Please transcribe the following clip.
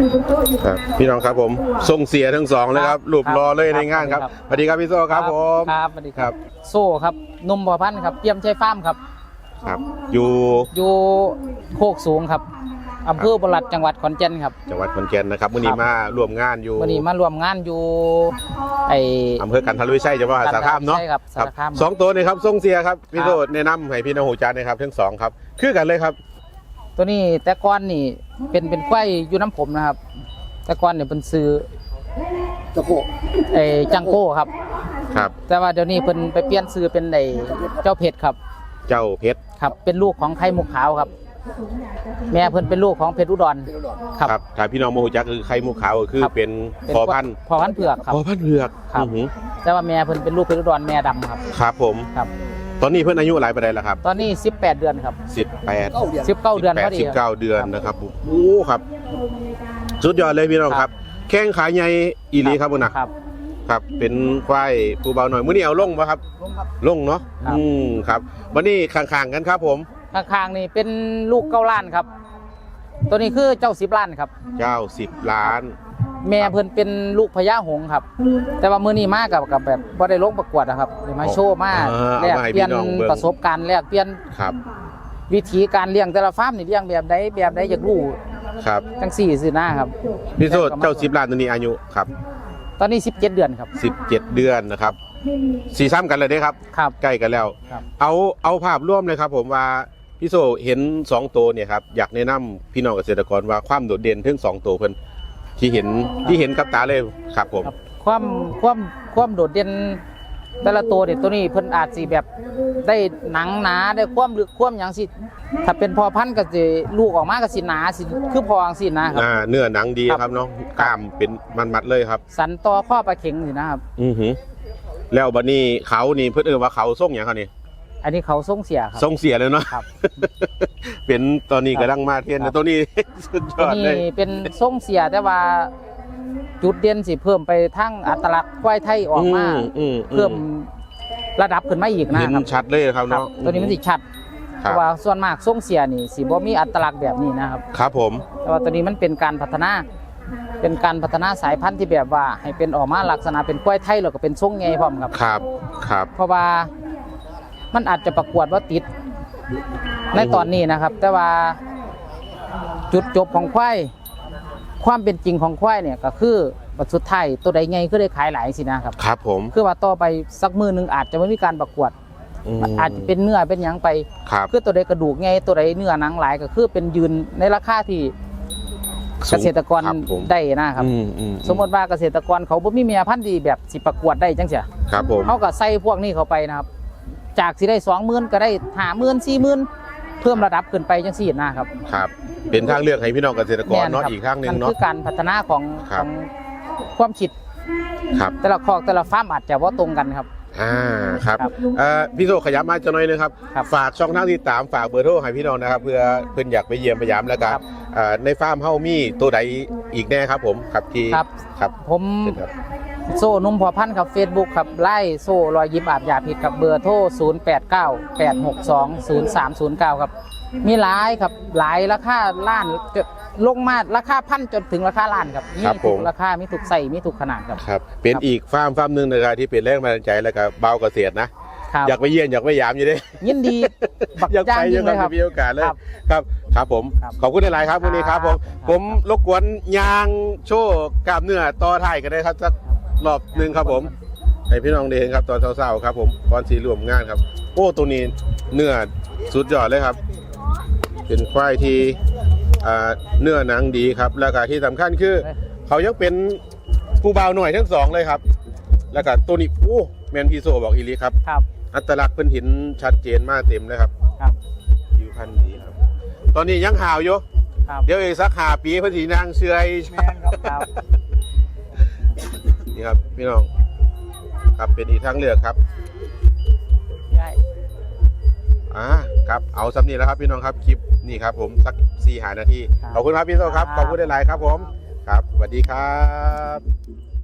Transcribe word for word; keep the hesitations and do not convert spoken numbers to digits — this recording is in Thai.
ครับพี่น้องครับผมส่งเสียทั้งสองเลยครับรูปรอเลยในงานครับสวัสดีครับพี่โซ่ครับผมครับสวัสดีครับโซ่ครับนุ่มพอพันครับเตรียมใช้ฟาร์มครับครับอยู่อยู่โคกสูงครับอำเภอบุรัดจังหวัดขอนแก่นครับจังหวัดขอนแก่นนะครับมื้อนี้มาร่วมงานอยู่มื้อนี้มาร่วมงานอยู่ไออำเภอกันทรวิชัยจังหวัดสระคามเนาะใช่ครับสระคามสองตัวนี่ครับส่งเสียครับพี่โซ่แนะนำให้พี่น้องหูจานนะครับทั้งสองครับคือกันเลยครับตัวนี้แต่ก่อนนี่เป็นเป็นควายอยู่น้ำผมนะครับแต่ก่อนเนี่ยเป็นซื้อจังโก้ไอจังโก้ครับครับแต่ว่าเดี๋ยวนี้เพิ่นไปเปลี่ยนซื้อเป็นไอเจ้าเพชรครับเจ้าเพชรครับเป็นลูกของไข่มุกขาวครับแม่เพิ่นเป็นลูกของเพชรอุดรครับถ้าพี่น้องโมโหจักคือไข่มุกขาวก็คือเป็นพอพันธุ์พอพันธุ์เผือกครับพอพันธุ์เผือกครับแต่ว่าแม่เพิ่นเป็นลูกเพชรอุดรแม่ดำครับครับผมครับตอนนี้เพิ่นอายุหลายปานใดแล้วครับตอนนี้สิบแปดเดือนครับสิบแปดสิบเก้าเดือนพอดีสิบเก้าเดือนนะครับโอ้ครับสุดยอดเลยพี่น้องครับแข้งขาใหญ่อีหลีครับพุ่นน่ะครับครับเป็นควายผู้เบาหน่อยมื้อนี้เอาลงบ่ครับลงครับลงเนาะอืมครับวันนี้ข้างๆกันครับผมข้างๆนี่เป็นลูกเก้าล้านครับตัวนี้คือเจ้าสิบล้านครับเจ้าสิบล้านแม่เพิ่นเป็นลูกพญาหงส์ครับแต่ว่ามื้อนี้มากับกับแบบบ่ได้ลงประกวดนะครับเลยมาโชว์มาแลกเปลี่ยนประสบการณ์แลกเปลี่ยนครับวิธีการเลี้ยงแต่ละฟาร์มนี่เลี้ยงแบบใดแบบใดอยากรู้ครับจังสี่สินะครับพี่โซเจ้าสิบล้านตัวนี้อายุครับตอนนี้สิบเจ็ดเดือนครับสิบเจ็ดเดือนนะครับสีซ้ำกันเลยเด้ครับครับใกล้กันแล้วเอาเอาภาพร่วมเลยครับผมว่าพี่โซเห็นสองตัวเนี่ยครับอยากแนะนำพี่น้องเกษตรกรว่าความโดดเด่นทั้งสองตัวเพิ่นที่เห็นที่เห็นกับตาเลยครับผมความความความโดดเด่นแต่ละตัวเนี่ยตัวนี้เพิ่นอาจสิแบบได้หนังหนาได้ความลึกความอย่างสิถ้าเป็นพอพันธุ์ก็จะลูกออกมาก็สิหนาสิคือพออย่างสินะครับอ่าเนื้อหนังดีครับเนาะกล้ามเป็นมันมัดเลยครับสันต่อข้อปลาเข็งสินะครับอือหือแล้วบัดนี้เขานี่เพิ่นเอ่ยว่าเขาส่งอย่างเขานี่อันนี้เขาส่งเสียครับส่งเสียเลยเนาะครับเป็นตอนนี้กำลังมาเทียนตัวนี้สุดยอดเลยนี่เป็นส่งเสียแต่ว่าจุดเด่นสิเพิ่มไปทั้งอัตลักษณ์ควายไทยออกมาเพิ่มระดับขึ้นมาอีกนะครับเห็นชัดเลยครับเนาะตัวนี้มันสิชัดเพราะว่าส่วนมากส่งเสียนี่สิบ่มีอัตลักษณ์แบบนี้นะครับครับผมแต่ว่าตัวนี้มันเป็นการพัฒนาเป็นการพัฒนาสายพันธุ์ที่แบบว่าให้เป็นออกมาลักษณะเป็นควายไทยแล้วก็เป็นทรงใหญ่พร้อมครับครับครับเพราะว่ามันอาจจะประกวดว่าติดในตอนนี้นะครับแต่ว่าจุดจบของควายความเป็นจริงของควายเนี่ยก็คือบัดสุดท้ายตัวใดไงก็ได้ขายหลายสินะครับครับผมคือว่าต่อไปสักมือหนึ่งอาจจะไม่มีการประกวดอาจจะเป็นเนื้อเป็นยังไปคือตัวใดกระดูกไงตัวใดเนื้อหนังหลายก็คือเป็นยืนในราคาที่เกษตรกรได้นะครับสมมติว่าเกษตรกรเขาบ่มีเมียพันธุ์ดีแบบสิประกวดได้จังเสียเขาก็ใส่พวกนี้เข้าไปนะครับจากสิได้สองหมื่นก็ได้ห้าหมื่นสี่หมื่นเพิ่มระดับขึ้นไปจังสี่นะครับครับเป็นทางเลือกให้พี่น้องเกษตรกรเนาะอีกครั้งหนึ่งเนาะคือการพัฒนาของของความคิดครับแต่ละคอกแต่ละฟาร์มอาจจะว่าตรงกันครับอ่าครับเอ่อพี่โซขยับมาจะหน่อยนึงครับฝากช่องทางที่ตามฝากเบอร์โทรให้พี่น้องนะครับเพื่อเพื่อนอยากไปเยี่ยมพยายามแล้วก็ในฟาร์มเฮามีตัวใดอีกแน่ครับผมครับที่ครับครับผมโซ่นุ่มพอพันครับเฟซบุ๊กครับไล่โซ่รอยยิ้มอาบยาพิษกับเบอร์โทรศูนย์ แปด เก้า แปด หก สอง ศูนย์ สาม ศูนย์ เก้าครับมีหลายครับหลายราคาล้านจะลงมาราคาพันจนถึงราคาล้านครับมีทุกราคามีทุกใส่มีทุกขนาดครับครับเป็นอีกฟาร์มฟาร์มหนึ่งนะครับที่เป็นแรงบันดาลใจแล้วก็เบาเกษตรนะอยากไปเยี่ยมอยากไปยามอยู่ด้ยินดีอยากไปยังครับมีโอกาสเลยครับครับผมขอบคุณหลายๆครับวันนี้ครับผมผมรบกวนยางโชว์กล้ามเนื้อต่อท้ายกันได้ครับสักรอบหนึ่งครับผมให้พี่น้องได้เห็นครับตอนเช้าๆครับผมตอนสีรวมงานครับโอ้ตัวนี้เนื้อสุดยอดเลยครับเป็นควายที่เนื้อหนังดีครับแล้วก็ที่สำคัญคือเขายังเป็นผู้บ่าวหน่อยทั้งสองเลยครับแล้วก็ตัวนี้โอ้แมนพีโซบอกอีลีครับอัตลักษณ์เป็นหินชัดเจนมากเต็มเลยครับผิวพรรณดีครับตอนนี้ยังหาวอยู่เดี๋ยวอีกสักหาปีพอดีนางเชื่อยนี่ครับพี่น้องครับเป็นอีกทางเลือกครับอ่าครับเอาสำนีแล้วครับพี่น้องครับคลิปนี่ครับผมสักสี่หานาทีขอบคุณครับพี่โซครับขอบคุณหลายๆครับผมครับสวัสดีครับ